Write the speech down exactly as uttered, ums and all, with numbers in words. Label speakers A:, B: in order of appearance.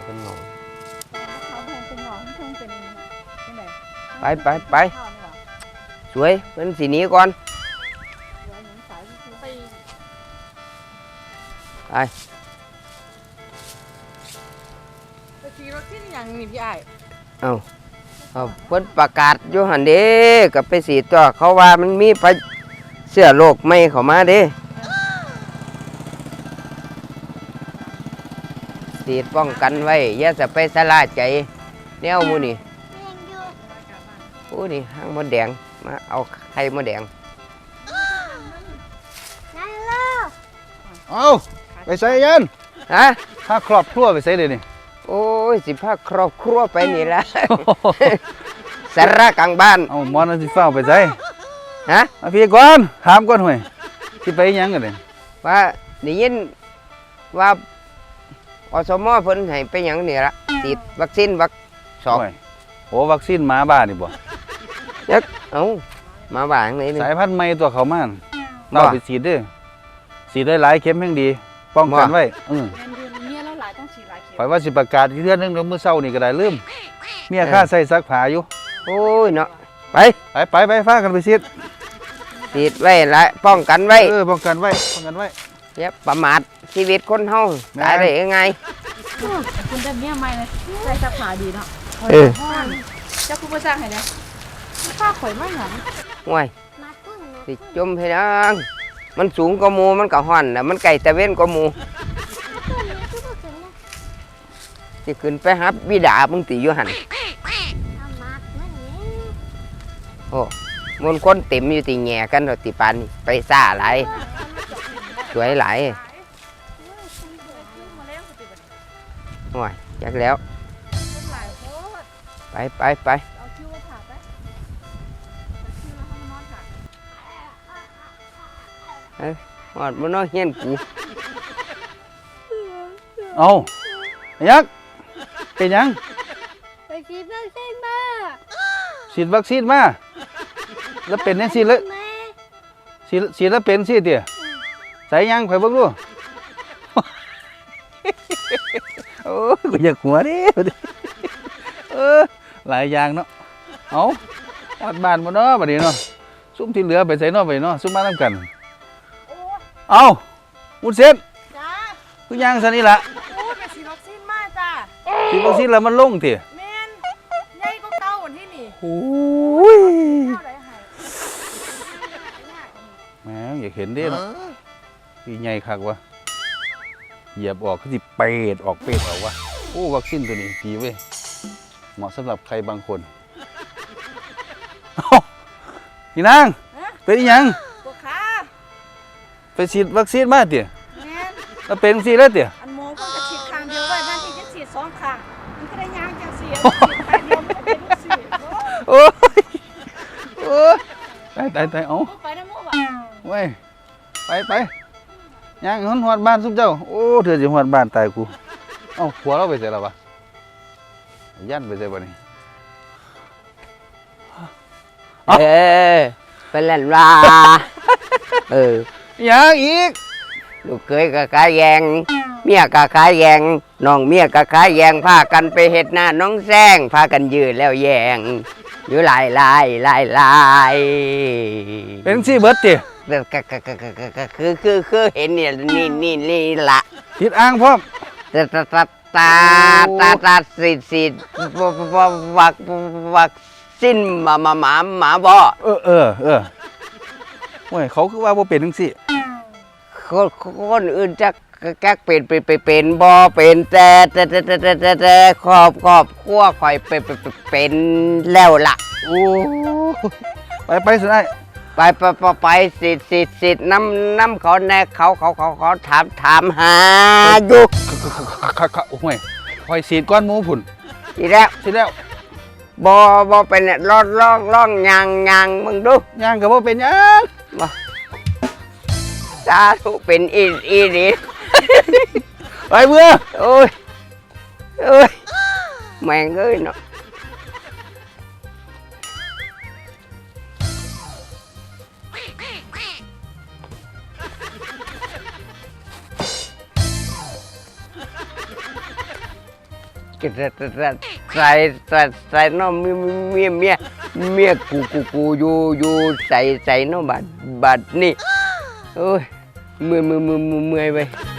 A: เป็นหนอง
B: เขาเป็นหนองช่วงเป็นเป็นไหน
A: ไปไปไปสวยเป็นสีนี้ก่อนไป
B: ไปขี่รถที่นี่อย่างนี้พี่ไอ้
A: เอาเอาเพิ่นประกาศอยู่หันเด้กับไปสีตัวเขาว่ามันมีไปเสื้อโลกไม่เข้ามาเด้สีป้องกันไว้อย่าจะไปสลาใจแนวมูนี่โอ้นี่ห้างมดแดงมาเอาไข่มดแดง
C: เอาไปใส่ยัน
A: ฮะ
C: ถ้าครอบครัวไปใส่เลยนี่
A: โอ้ยสิพาครอบครัวไปนี่ละสาระกลางบ้าน
C: เอามอนสิเฝ้าไปใส่
A: ฮะ
C: มาพี่ก่อนถามก่อนห่วยที่ไปยังกันเลย
A: ว่าได้ยินว่าอสมเพิ่นให้ไปยังนี่ละติดวัคซีนวัคสอง
C: โอ้วัคซีนหมาบ้านี่บ่
A: ยักเอ้ามาบ้านไหนนี่
C: สายพันธุ์ใหม่ตัวเขามาเราไปฉีดด้วยฉีดได้หลายเข็มแห่งดีป้องกันไว้อือไปว่าสิประกาศเรื่องนึงเมื่อเช้านี่ก็ได้ลืมเมียค่าใส่ซักผ้าอยู่
A: โอ้ยเนาะไป
C: ไปไปไปฟ้ากันไปฉีด
A: ฉีดไว้ละป้องกันไว้
C: เออป้องกันไว้ป้องกันไว้
A: อย่าประมาทชีวิตคนเฮาตายได้ยังไง
B: คุณได้เมียใหม่เลยใส่ซักผ้าดีเนาะ
A: เออ
B: เจ้าคุณมาจ้างให้ได้ผ้าข่อยไม่หนัง
A: ห่วยสิจมให้ดังมันสูงกว่าหมู่มันก็ฮ้อนน่ะมันไกลตะเว้นกว่าหมู่สิขึ้นไปหาบิดามึงติอยู่หั่นโอ้มนคนเต็มอยู่ติแง่กันดอกติปานนี่ไปซ่าหลายสวยหลายห่วยจักแล้วไปไปไปเฮ้ยหอดมันน้อยเฮียนกู
C: เอายักเป็นยัง
B: ไปฉีดวัคซีนมา
C: ฉีดวัคซีนมาแล้วเป็นนี่สิเลยฉีดฉีดแล้วเป็นสิเตี๋ยใส่ยังไปเบิ่งดูโอ้กูอยากหัวดิเออหลายอย่างเนาะเอาวัดบ้านมาเนาะบัดนี้เนาะซุ่มที่เหลือไปใส่เนาะไปเนาะซุ่มมาทำกันเอามุดเส้นคือย่างซะนี่ละ
B: โอ้ไปฉีดวัคซีนมาจ้า
C: ฉีดวัคซีนแล้วมันลงเตี๋ย
B: แม่นใหญ่ก็เก่าวันที่นี่
C: โอ้ยแม่อยากเห็นดิเนาะพี่ใหญ่คักวะเหยียบออกคือสิเปดออกเปดออกวะโอ้วัคซีนตัวนี้ดีเว้ยเหมาะสำหรับใครบางคนพี่นางเป็นยังไปฉีดวัคซีนมาเตี๋ยแล้วเป็นสิแล้วเตี๋ย
B: อันโมก็จะฉีดครั้งเดียวไว้นั่นที่จะฉีดสองครั้งมันก็ได้ยางจากเสียฉีดครั้งเดียวมันเป็นลูกศิษย์
C: โอ้ยโอ้ยตายตายตายเอา
B: ไปนะโมบ่
C: เว้ยไปไปย่างหอนหอดบ้านซุปเจ้าโอ้เธอจะหอดบ้านตายกูเอ้าผัวเราไปเสร็จแล้วปะยันไปเสร็จปะนี่
A: เออไปเล่นว่าเออ
C: ยังอีก
A: ลูกเคยกับขายแยงเมียกับขายแยงน้องเมียกับขายแยงพากันไปเห็ดหน้าน้องแซงพากันยืนแล้วแยงอยู่ลายลายลายลาย
C: เป็นสิเบิร์ตเตี๋ย
A: คือคือคือเห็นเนี่ยนี่นี่นี่ละ
C: คิดอ้างพร้อม
A: ตาตาตาตาตาตาสิสิวักวักสิ้นหมาหมาหมาหมาบ่
C: เออเออเออโอ้ยเขาคือว่าบ่เป็นจังซี่
A: คนคนอื่นจะแก๊กเป็นเป็นเป็นบ่เป็นแต่แต่แต่แต่แต่แต่ครอบครอบครัวคอยเป็นเป็นแล้วล่ะ
C: โอ้ไปไปสิได้
A: ไปไปไปไปสิสิสิน้ำน้ำเขาแน่เขาเขาเขาเขาถามถามหาอยู่
C: โอ้ยคอยฉีดก้อนหมูผุ่น
A: ฉีดแล้ว
C: ฉีดแล้ว
A: บ่บ่เป็นล่องล่องล่องยางยางมึงดู
C: ยางกับบ่เป็นยัง
A: บ่สาธุเป็นอีอีดี
C: ไปเมื่อ
A: โอ้ยโอ้ยแม่งเอ้ยเนาะกระใส่ใส่ใส่น้องเมียเมียเมียเมียกูกูกูอยู่อยู่ใส่ใส่น้องบัดบัดนี่โอ้ยเมื่อยเมื่อยเมื่อยเมื่อยไป